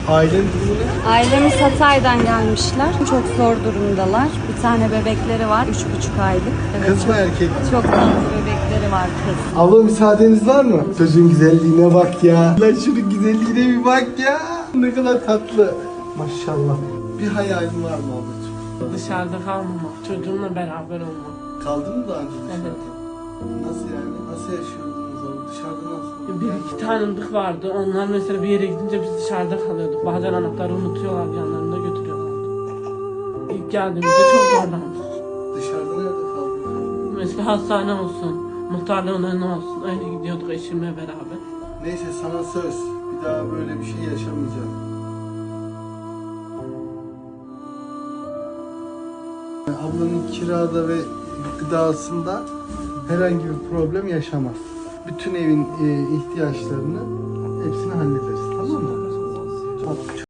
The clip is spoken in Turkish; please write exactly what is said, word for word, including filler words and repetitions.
Ailenin durumu ne? Ailemiz Hatay'dan gelmişler. Çok zor durumdalar. Bir tane bebekleri var. Üç buçuk aylık. Evet, Kız mı erkek mi? çok tatlı bebekleri var kız. Abla müsaadeniz var mı? Çocuğun güzelliğine bak ya. Lan şunun güzelliğine bir bak ya. Ne kadar tatlı. Maşallah. Bir hayalin var mı ablacığım? Dışarıda kalmamak, çocuğumla beraber olmak. Kaldın mı daha önce dışarıda? Evet. Nasıl yani? Nasıl yaşıyordunuz abi? Dışarıda nasıl? Bir iki tanıdık vardı. Onlar mesela bir yere gidince biz dışarıda kalıyorduk. Bazen anahtarı unutuyorlar, yanlarında götürüyorlardı. İlk geldiğimizde çok zorlandık. Dışarıda nerede kaldın? Mesela hastane olsun, muhtarlığın önüne olsun. Öyle gidiyorduk eşimle beraber. Neyse sana söz. Bir daha böyle bir şey yaşamayacağım. Ablanın kirada ve gıdasında herhangi bir problem yaşamaz. Bütün evin e, ihtiyaçlarını hepsini hallederiz, tamam mı? Tamam.